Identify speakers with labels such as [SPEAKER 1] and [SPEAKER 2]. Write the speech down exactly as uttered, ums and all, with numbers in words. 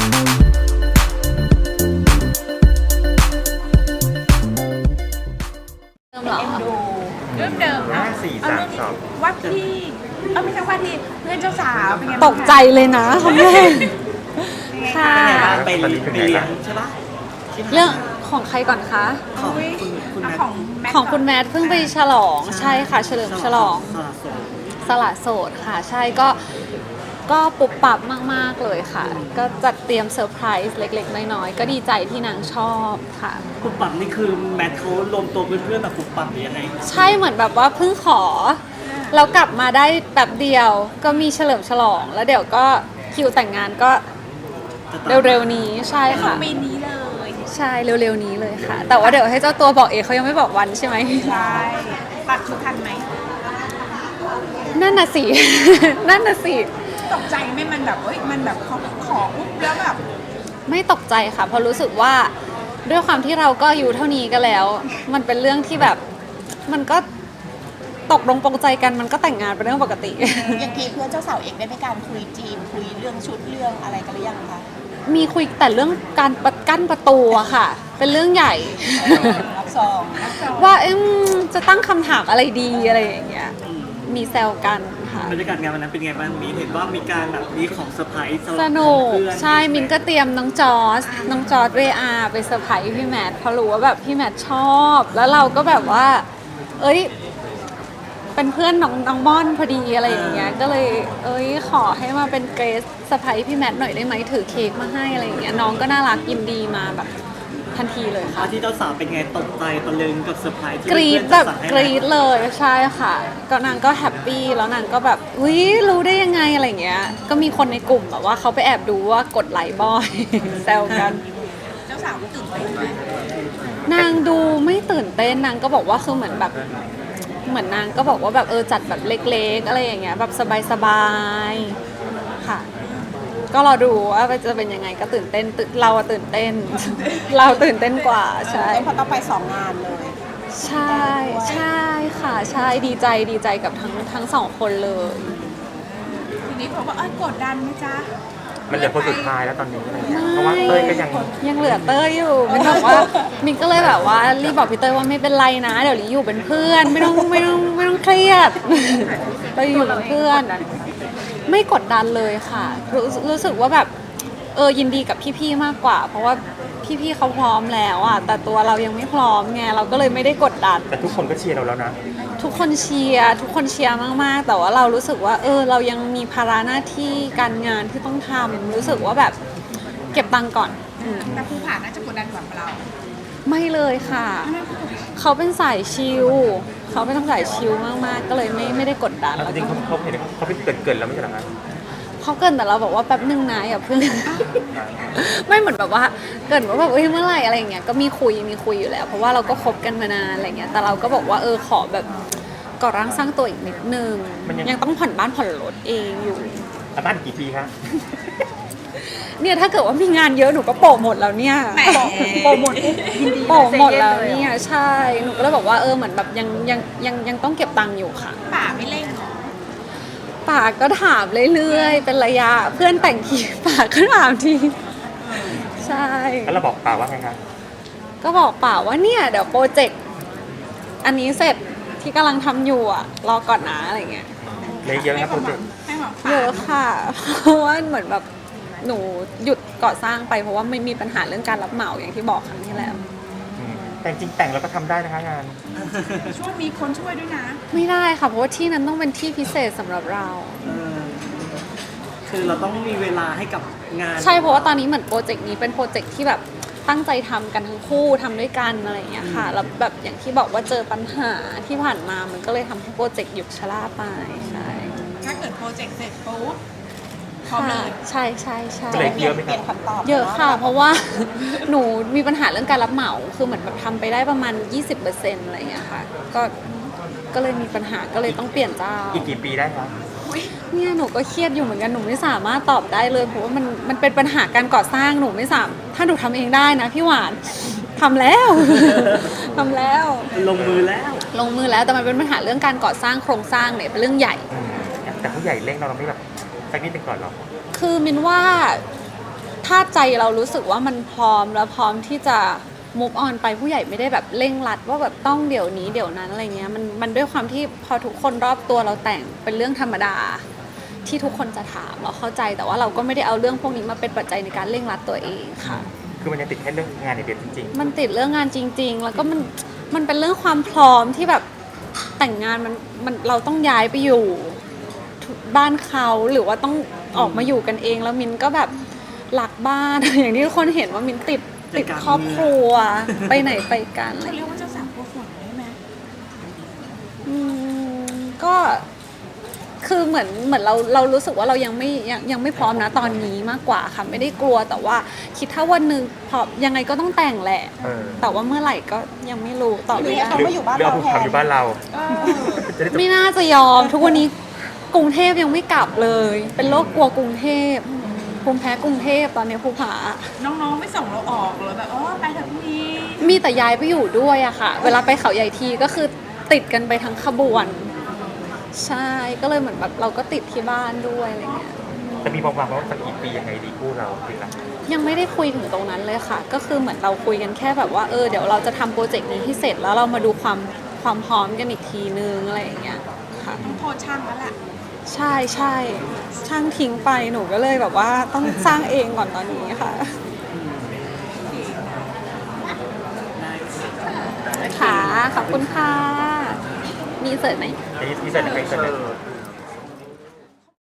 [SPEAKER 1] เริ่มเหรอ
[SPEAKER 2] เอ็นดูเรื่องเดิม
[SPEAKER 3] ห้าสี่สามสอง
[SPEAKER 2] ว่าที่เออไม่ใช่ว่าที่เพื่อนเจ้าสาวเป็นไง
[SPEAKER 1] ตกใจเลยนะคำแรกค่ะ
[SPEAKER 3] เป็นไงบ้างไปไปเลี้ยงใช่ปะ
[SPEAKER 1] เรื่องของใครก่อนคะ
[SPEAKER 2] ของคุณคุณของแมท
[SPEAKER 1] ของคุณแมทเพิ่งไปฉลองใช่ค่ะเฉลิมฉลอง
[SPEAKER 3] สละโสด
[SPEAKER 1] สละโสดค่ะใช่ก็ก็ปุบปับมากๆเลยค่ะ ก็จัดเตรียมเซอร์ไพรส์เล็กๆน้อยๆก็ดีใจที่นางชอบค่ะ
[SPEAKER 4] ปุบปับนี่คือแมทเขารวมตัวเพื่อนๆแบบปุบปับหรือยังไง
[SPEAKER 1] ใช่เหมือนแบบว่าเพิ่งขอแล้วกลับมาได้แบบเดียวก็มีเฉลิมฉลอง แล้วเดี๋ยวก็คิวแต่งงานก็เร็วๆนี้ใช่ค่ะ
[SPEAKER 2] ปีนี้เลย
[SPEAKER 1] ใช่เร็วๆนี้เลยค่ะ แต่ว่าเดี๋ยวให้เจ้าตัวบอกเองเขายังไม่บอกวันใช่ไหม
[SPEAKER 2] ใช่ตัดชุดทันไหม
[SPEAKER 1] นั่นน่ะสิ นั่นน่ะสิ
[SPEAKER 2] ตกใจไหมมันแบบเอ้ยมันแบบเขาขอปุ๊บแล้วแบบ
[SPEAKER 1] ไม่ตกใจค่ะเพราะรู้สึกว่าด้วยความที่เราก็อายุเท่านี้ก็แล้ว มันเป็นเรื่องที่แบบมันก็ตกลงปรงใจกันมันก็แต่งงานเป็นเรื่องปกติ
[SPEAKER 5] อย่างทีเพื่อนเจ้าสาวเองได้มีการคุยจีนคุยเรื่องชุดเรื่องอะไรกันหรือยังคะ
[SPEAKER 1] มีคุยแต่เรื่องการปะกั้นประตูอะค่ะ เป็นเรื่องใหญ่
[SPEAKER 5] รับซอง
[SPEAKER 1] ว่าเอ็มจะตั้งคำถามอะไรดีอะไรอย่างเงี้ยมีแซวกันค่ะ
[SPEAKER 4] บรรยากาศงานวันนั้นเป็นไงบ้างมีเห็นว่ามีการแบบมีของเซอร์ไพรส์ำห
[SPEAKER 1] ส
[SPEAKER 4] รับ
[SPEAKER 1] นุก
[SPEAKER 4] เพื่อน
[SPEAKER 1] ใช่มินก็เตรียมน้องจอร์สน้องจอร์สเวอาไปเซอร์ไพรส์พี่แมทเพราะรู้ว่าแบบพี่แมทชอบ แล้วเราก็แบบว่า เอ้ย เป็นเพื่อนน้องน้องม่อนพอดีอะไรอย่างเงี้ยก็เลย เอ้ยขอให้มาเป็นเกรซเซอร์ไพรส์พี่แมทหน่อยได้ไหมถือเค้กมาให้อะไรอย่างเงี้ยน้องก็น่ารักยินดีมาแบบทันทีเลยค่ะ
[SPEAKER 4] ว่าที่เจ้าสาวเป็นไงตกใจตะลึงกับเซอร์ไพรส์ที่
[SPEAKER 1] กรี๊ด
[SPEAKER 4] เพื่อน
[SPEAKER 1] แบบ
[SPEAKER 4] จัดสรรให้
[SPEAKER 1] กรี๊ดเลยใช่ค่ะ ก็นางก็แฮปปี้แล้วนางก็แบบอุ้ยรู้ได้ยังไงอะไรอย่างเงี้ยก็มีคนในกลุ่มแบบว่าเขาไปแอบดูว่ากดไลค์บ่อย แซวกัน
[SPEAKER 2] เจ้าสาวตื่นเต้นไหม
[SPEAKER 1] นางดูไม่ตื่นเต้นนางก็บอกว่าคือเหมือนแบบเหมือนนางก็บอกว่าแบบเออจัดแบบเล็กๆอะไรอย่างเงี้ยแบบสบายๆค่ะ ก็รอดูว่าจะเป็นยังไงก็ตื่นเต้นตื่นเราอะตื่นเต้น เราตื่นเต้นกว่าใช่
[SPEAKER 5] เพราะต้องไปสองงานเลย
[SPEAKER 1] ใช่ใช่ค่ะใช่ดีใจดีใจกับทั้งทั้งสองคนเลย
[SPEAKER 2] ทีนี้เขาบอกเอ้ยกดดันไหมจ๊ะ
[SPEAKER 3] มันเหลือคนสุดท้ายแล้วตอนนี้อะไรเงี้ยเพราะว่าเต้ยก็ยัง
[SPEAKER 1] ยังเหลือเต้ยอยู่มินบอกว่ามินก็เลยแบบว่ารีบบอกพี่เต้ยว่าไม่เป็นไรนะเดี๋ยวลีอยู่เป็นเพื่อนไม่ต้องไม่ต้องไม่ต้องเครียด เราอยู่เป็นเพื่อน ไม่กดดันเลยค่ะรู้รู้สึกว่าแบบเออยินดีกับพี่ๆมากกว่า เพราะว่าพี่ๆเขาพร้อมแล้วอ่ะแต่ตัวเรายังไม่พร้อมไงเราก็เลยไม่ได้กดดัน
[SPEAKER 3] แต่ทุกคนก็เชียร์เราแล้วนะ
[SPEAKER 1] ทุกคนเชียร์ทุกคนเชียร์มากๆ แต่ว่าเรารู้สึกว่า เออ เรายังมีภาระหน้าที่การงานที่ต้องทำรู้สึกว่าแบบเก็บตังค์ก่อนอืม
[SPEAKER 2] แต่ภูผาน่าจะกดดันกว่าเรา
[SPEAKER 1] ไม่เลยค่ะ เขาเป็นสายชิลเขาเป็นสายชิลมากๆ ก็เลยไม่ไม่ได้กดดัน
[SPEAKER 3] แล้วจริงๆเขาเขาเห็นเขาเป็นเกินเกินๆแล้วไม่ใช่เหรอคะ
[SPEAKER 1] เขาเกรินแต่เราบอกว่าแป๊บนึงนะอย่าเพิ่ง ไม่เหมือนแบบว่าเกรินว่าแบบเอ้ยเมื่อไหร่อะไรอย่างเงี้ยก็มีคุยมีคุยอยู่แล้ว เพราะว่าเราก็คบกันมานานอะไรเงี้ยแต่เราก็บอกว่าเออขอแบบก่อร่างสร้างตัวอีกนิดนึงยังต้องผ่อนบ้านผ่อนรถเองอยู่
[SPEAKER 3] แล้วบ้านกี่ปีคะ
[SPEAKER 1] เนี่ยถ้าเกิดว่ามีงานเยอะหนูก็โปะหมดแล้วเนี่ย
[SPEAKER 2] แหม
[SPEAKER 1] โปะหมดยินดีโปะหมดแล้วเนี่ยใช่หนูก็เลยบอกว่าเออเหมือนแบบยังยังยังยังต้องเก็บตังค์อยู่ค่ะ
[SPEAKER 2] ป่าไม่เล่นหรอ
[SPEAKER 1] ป่าก็ถามเรื่อยๆเป็นระยะเพื่อนแต่งทีป่าก็ถามทีใช่
[SPEAKER 3] แล้วเราบอกป่าว่าไงคะ
[SPEAKER 1] ก็บอกป่าว่าเนี่ยเดี๋ยวโปรเจกต์อันนี้เสร็จที่กำลังทำอยู่อ่ะรอก่อนนะอะไรเงี้ย
[SPEAKER 3] เลยเยอะนะโปรเจกต์
[SPEAKER 2] ให้หวัง
[SPEAKER 1] เย
[SPEAKER 2] ป่า
[SPEAKER 1] อะค่ะ เพราะว่าเหมือนแบบหนูหยุดก่อสร้างไปเพราะว่าไม่มีปัญหาเรื่องการรับเหมาอย่างที่บอกครั้งที่แล้ว
[SPEAKER 3] อืมแต่จริงๆแต่งเราก็ทำได้นะคะงาน
[SPEAKER 2] ช่วยมีคนช่วยด้วยนะ
[SPEAKER 1] ไม่ได้ค่ะเพราะว่าที่นั้นต้องเป็นที่พิเศษสำหรับเรา
[SPEAKER 4] เออคือเราต้องมีเวลาให้กับงาน
[SPEAKER 1] ใช่เพราะว่าตอนนี้เหมือนโปรเจกต์นี้เป็นโปรเจกต์ที่แบบตั้งใจทำกันทั้งคู่ทำด้วยกันอะไรอย่างเงี้ยค่ะแล้วแบบอย่างที่บอกว่าเจอปัญหาที่ผ่านมามันก็เลยทำให้โปรเจกต์หยุดชะล่าไปใช่
[SPEAKER 2] ถ้าเกิดโปรเจกต์เสร็จปุ๊บพร้อม
[SPEAKER 1] ค่ะ
[SPEAKER 2] เลย
[SPEAKER 1] ใช่ใช่ใช่
[SPEAKER 3] ก็เลยเยอะไหม
[SPEAKER 5] เปลี่ยนคำตอบ
[SPEAKER 1] เยอะค่ะ เพราะว่า หนูมีปัญหาเรื่องการรับเหมาคือเหมือนแบบทำไปได้ประมาณ ยี่สิบเปอร์เซ็นต์ อะไรอย่างเงี้ยค่ะก็ก็เลยมีปัญหาก็เลยต้องเปลี่ยนเจ้า
[SPEAKER 3] อีกกี่ปีได้คะ
[SPEAKER 1] เนี่ยหนูก็เครียดอยู่เหมือนกันหนูไม่สามารถตอบได้เลยเพราะว่ามันมันเป็นปัญหาการก่อสร้างหนูไม่สามถ้าหนูทำเองได้นะพี่หวานทำแล้ว ทำแล้ว
[SPEAKER 4] ลงมือแล้ว
[SPEAKER 1] ลงมือแล้วแต่มันเป็นปัญหาเรื่องการก่อสร้างโครงสร้างเนี่ยเป็นเรื่องใหญ่
[SPEAKER 3] อืมแต่เขาใหญ่เร่งเราเราไม่แบบสักนิดหนึงก่อนหรอ
[SPEAKER 1] คือมินว่าทถ้าใจเรารู้สึกว่ามันพร้อมแล้วพร้อมที่จะ move on ไปผู้ใหญ่ไม่ได้แบบเร่งรัดว่าแบบต้องเดี๋ยวนี้เดี๋ยวนั้นอะไรเงี้ยมันมันด้วยความที่พอทุกคนรอบตัวเราแต่งเป็นเรื่องธรรมดาที่ทุกคนจะถามเราเข้าใจแต่ว่าเราก็ไม่ได้เอาเรื่องพวกนี้มาเป็นปัจจัยในการเร่งรัดตัวเองค่ะ
[SPEAKER 3] คือมันยังติดแค่เรื่องงานในเดียวจริง
[SPEAKER 1] มันติดเรื่องงานจริง ๆ แล้วก็มันมันเป็นเรื่องความพร้อมที่แบบแต่งงานมันมันเราต้องย้ายไปอยู่บ้านเขาหรือว่าต้องออกมาอยู่กันเองแล้วมินก็แบบหลักบ้าน อย่างที่ทุกคนเห็นว่ามินติดติดครอบครัว ไปไหนไปกันอะไร
[SPEAKER 2] เขา
[SPEAKER 1] อย่าง
[SPEAKER 2] เรีย
[SPEAKER 1] เงี้ย
[SPEAKER 2] กว่าเจ้าสาวกลัวฝนได้ไหม
[SPEAKER 1] อืมก็คือเหมือนเหมือนเราเรารู้สึกว่าเรายังไม่ยังยังไม่พร้อมนะตอนนี้มากกว่าค่ะไม่ได้กลัวแต่ว่าคิดถ้าวันหนึ่งพอยังไงก็ต้องแต่งแหละ
[SPEAKER 3] ๆเออ
[SPEAKER 1] แต่ว่าเมื่อไหร่ก็ยังไม่รู้ตอบไม่ได้
[SPEAKER 5] เขามาอยู่บ้าน
[SPEAKER 3] หรือ
[SPEAKER 5] เรา
[SPEAKER 3] เอา
[SPEAKER 5] แท
[SPEAKER 3] ทำ
[SPEAKER 5] น
[SPEAKER 3] อยู่บ้านเราจะได้จบ
[SPEAKER 1] ไม่น่าจะยอม ทุกวันนี้กรุงเทพยังไม่กลับเลย เป็นโรคกลัวกรุงเทพภูมิแพ้กรุงเทพตอนนี้ภูผา
[SPEAKER 2] น้องๆไม่ส่งเราออกเหรอแบบอ๋อไปเถอะพรุ่งนี้
[SPEAKER 1] มีแต่ย้ายไปอยู่ด้วยอะค่ะ เวลาไปเขาใหญ่ทีก็คือติดกันไปทั้งขบวน ใช่ก็เลยเหมือนแบบเราก็ติดที่บ้านด้วยอะไรเงี้ย
[SPEAKER 3] จะมีความหวังว่าสักกี่ปียังไงดีคู่เราจริงๆแล้ว
[SPEAKER 1] ยังไม่ได้คุยถึงตรงนั้นเลยค่ะ ก็คือเหมือนเราคุยกันแค่แบบว่าเออเดี๋ยวเราจะทำโปรเจกต์นี้ให้เสร็จแล้วเรามาดูความความพร้อมกันอีกทีนึงอะไรอย่างเงี้ยค่ะ
[SPEAKER 2] ต้องโทษช่างแล้วแหละ
[SPEAKER 1] ใช่ใช่ช่างทิ้งไปหนูก็เลยแบบว่าต้องสร้างเองก่อนตอนนี้ค่ะค่ะขอบคุณค่ะ มีเสิร์ฟไหม
[SPEAKER 3] ที่ที่เสร็จในเสร็จ